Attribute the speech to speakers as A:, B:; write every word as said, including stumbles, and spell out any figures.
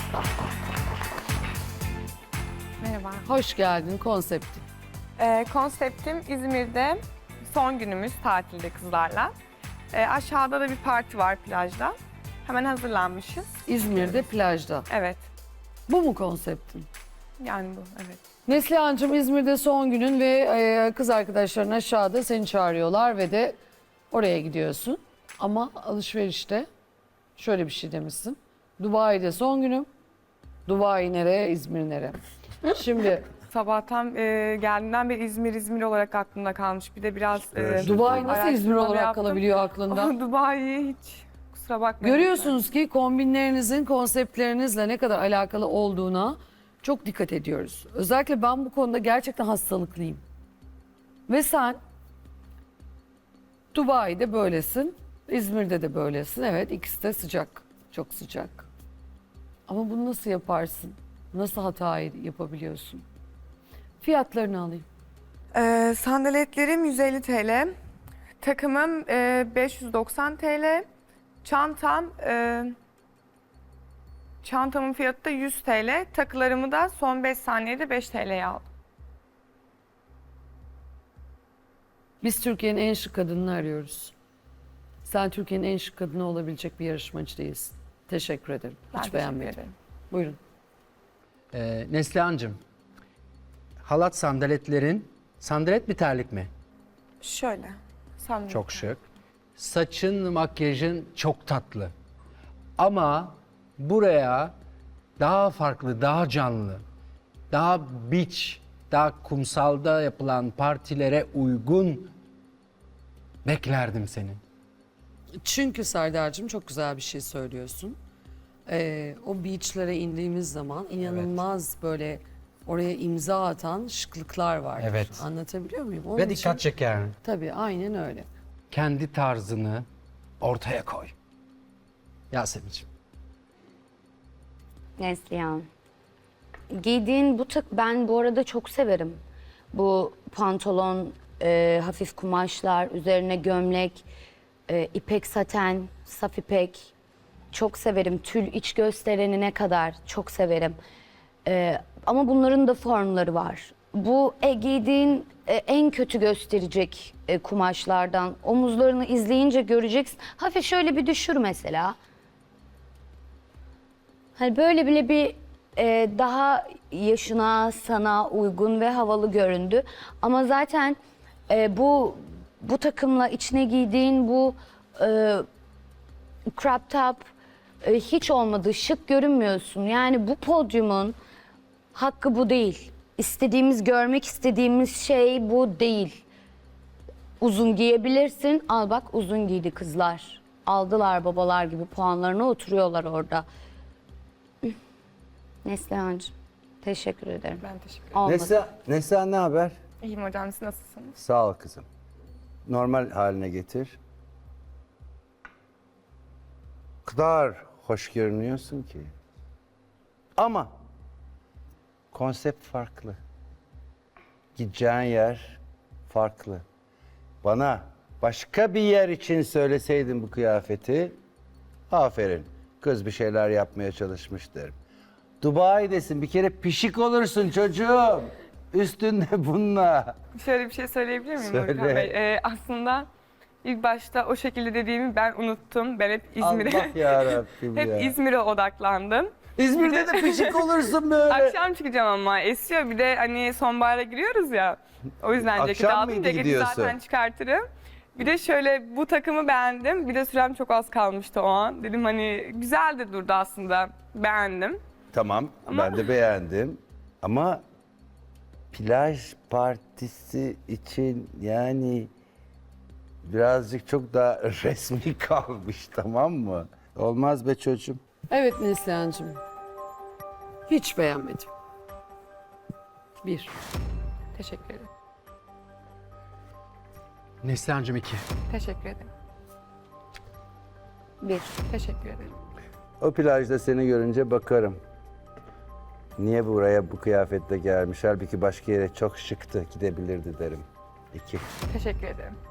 A: Merhaba.
B: Hoş geldin konsepti.
A: Ee, konseptim İzmir'de son günümüz tatilde kızlarla. Ee, aşağıda da bir parti var plajda. Hemen hazırlanmışız.
B: İzmir'de plajda.
A: Evet.
B: Bu mu konseptin?
A: Yani bu, evet.
B: Neslihan'cığım İzmir'de son günün ve e, kız arkadaşların aşağıda seni çağırıyorlar ve de oraya gidiyorsun. Ama alışverişte şöyle bir şey demişsin. Dubai'de son günüm. Dubai nereye, İzmir nereye? Şimdi
A: Sabahtan e, geldiğimden beri İzmir İzmir olarak aklımda kalmış. Bir de biraz e,
B: Dubai nasıl İzmir
A: araştırma
B: olarak
A: yaptım.
B: kalabiliyor aklında?
A: Ama Dubai'yi hiç kusura bakmayın.
B: Görüyorsunuz ki kombinlerinizin konseptlerinizle ne kadar alakalı olduğuna çok dikkat ediyoruz. Özellikle ben bu konuda gerçekten hastalıklıyım. Ve sen Dubai'de böylesin, İzmir'de de böylesin. Evet, ikisi de sıcak, çok sıcak. Ama bunu nasıl yaparsın? Nasıl hatayı yapabiliyorsun? Fiyatlarını alayım.
A: Ee, sandaletlerim yüz elli TL. Takımım e, beş yüz doksan TL. Çantam e, çantamın fiyatı da yüz TL. Takılarımı da son beş saniyede beş TL'ye aldım.
B: Biz Türkiye'nin en şık kadınını arıyoruz. Sen Türkiye'nin en şık kadını olabilecek bir yarışmacı değilsin. Teşekkür ederim.
A: Ben
B: Hiç
A: teşekkür
B: beğenmedim.
A: ederim.
B: Buyurun.
C: Ee, Neslihan'cığım, halat sandaletlerin, sandalet mi terlik mi?
A: Şöyle. Sandalet.
C: Çok şık. Saçın, makyajın çok tatlı. Ama buraya daha farklı, daha canlı, daha beach, daha kumsalda yapılan partilere uygun beklerdim seni.
B: Çünkü Serdar'cığım çok güzel bir şey söylüyorsun. Ee, o beachlere indiğimiz zaman inanılmaz böyle oraya imza atan şıklıklar var.
C: Evet.
B: Anlatabiliyor muyum? Onun
C: Ve
B: için-
C: dikkat çeker.
B: Tabii aynen öyle.
C: Kendi tarzını ortaya koy. Yasemin'ciğim.
D: Neslihan. Giydiğin bu tık ben bu arada çok severim. Bu pantolon, e, hafif kumaşlar, üzerine gömlek, e, ipek saten, saf ipek. Çok severim. Tül iç gösterenine kadar çok severim. E, ama bunların da formları var. Bu e, giydiğin e, en kötü gösterecek e, kumaşlardan. Omuzlarını izleyince göreceksin. Hafif şöyle bir düşür mesela. Hani böyle bile bir e, daha yaşına, sana uygun ve havalı göründü. Ama zaten e, bu bu takımla içine giydiğin bu e, crop top e, hiç olmadı, şık görünmüyorsun. Yani bu podyumun hakkı bu değil. İstediğimiz, görmek istediğimiz şey bu değil. Uzun giyebilirsin. Al bak uzun giydi kızlar. Aldılar babalar gibi puanlarına oturuyorlar orada. Neslihan'cığım teşekkür ederim.
A: Ben teşekkür ederim.
D: Olmadı.
E: Neslihan, Neslihan ne haber?
A: İyiyim hocam, siz nasılsınız?
E: Sağ ol kızım. Normal haline getir. O kadar hoş görünüyorsun ki. Ama konsept farklı. Gideceğin yer farklı. Bana başka bir yer için söyleseydin bu kıyafeti, aferin. Kız bir şeyler yapmaya çalışmış derim. Dubai'desin, bir kere pişik olursun çocuğum. Üstünde bununla.
A: Şöyle bir şey söyleyebilir miyim
E: Söyle.
A: Volkan Bey? Ee, aslında ilk başta o şekilde dediğimi ben unuttum. Ben hep İzmir'e
E: Allah yarabbim ya.
A: hep İzmir'e odaklandım.
E: İzmir'de de pişik olursun böyle.
A: Akşam çıkacağım ama esiyor. Bir de hani sonbahara giriyoruz ya. O yüzden ceketi
E: Akşam
A: aldım.
E: mıydı
A: Ceketi
E: gidiyorsun?
A: zaten çıkartırım. Bir de şöyle bu takımı beğendim. Bir de sürem çok az kalmıştı o an. Dedim hani güzel de durdu aslında. Beğendim.
E: Tamam, ben de beğendim. Ama plaj partisi için yani birazcık çok daha resmi kalmış, tamam mı? Olmaz be çocuğum.
B: Evet Neslihan'cığım. Hiç beğenmedim. Bir.
A: Teşekkür ederim.
C: Neslihan'cığım iki.
A: Teşekkür ederim.
D: Bir.
A: Teşekkür ederim.
E: O plajda seni görünce bakarım. Niye buraya bu kıyafetle gelmiş? Halbuki başka yere çok şıktı, gidebilirdi derim. İki.
A: Teşekkür ederim.